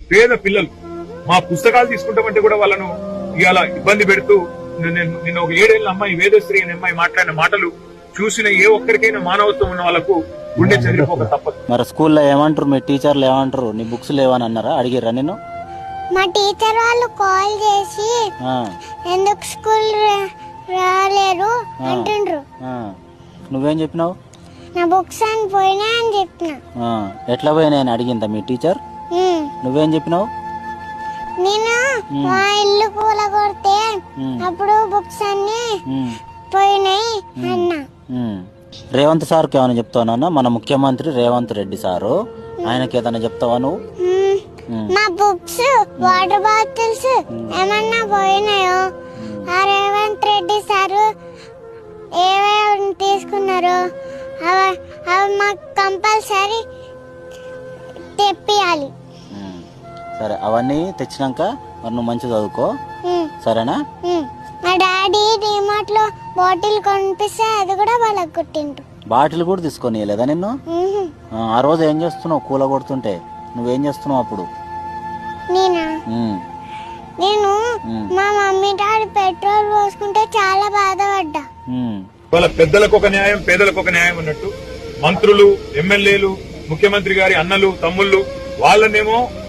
పేద పిల్లలు మా పుస్తకాలు తీసుకుంటామంటే కూడా వాళ్ళను ఇవాళ ఇబ్బంది పెడుతూ నిన్న ఒక 7 ఏళ్ల అమ్మాయి వేదశ్రీ అనే అమ్మాయి మాట్లాడిన మాటలు చూసిన ఏ ఒక్కరికైనా మానవత్వం ఉన్న వాళ్ళకు గుండె చెదిరిపోక తప్పదు. మరి స్కూల్లో ఏమంటారు, మీ టీచర్లు ఏమంటారు? నీ బుక్స్ లేవని అన్నారా, అడిగిర్రా నేను? మా టీచర్ వాళ్ళు కాల్ చేసి ఎందుకు స్కూల్ రాలేరు అంటుండ్రు. నువ్వేం చెప్పినావు? నా బుక్స్ అని పోయినా అని చెప్పిన. ఎట్లా పోయినా అని అడిగిందా మీ టీచర్? నువ్వేం చెప్పినావు? నేను మా ఇల్లు కూలగొడితే అప్పుడు బుక్స్ అన్ని పోయినాయి అన్నా. రేవంత్ సార్కి ఏమైనా చెప్తావా? మన ముఖ్యమంత్రి రేవంత్ రెడ్డి సారు, ఆయనకి ఏదైనా చెప్తావా నువ్వు? మా బుక్స్ వాటర్ బాటిల్స్ ఏమన్నా పోయినాయో ఆ రేవంత్ రెడ్డి సారు ఏమేమి తీసుకున్నారు అవి మాకు కంపల్సరీ తెప్పియాలి. సరే, అవన్నీ తెచ్చినాక మరి నువ్వు మంచిగా చదువుకో, సరేనా? మా డాడీ డిమార్ట్ లో బాటిల్ కొనిపిస్తే అది కూడా వాళ్ళకి కొట్టిండు. బాటిల్ కూడా తీసుకొని లేదా నిన్ను? ఆ రోజు ఏం చేస్తున్నావు? కూల కొడుతుంటే నువ్వేం చేస్తున్నావు అప్పుడు? నేను మా మమ్మీ డాడీ పెట్రోల్ పోసుకుంటే చాలా బాధపడ్డా. వాళ్ళ పెద్దలకు ఒక న్యాయం, పేదలకు ఒక న్యాయం అన్నట్టు మంత్రులు, ఎమ్మెల్యేలు, ముఖ్యమంత్రి గారి అన్నలు, తమ్ముళ్ళు వాళ్ళనేమో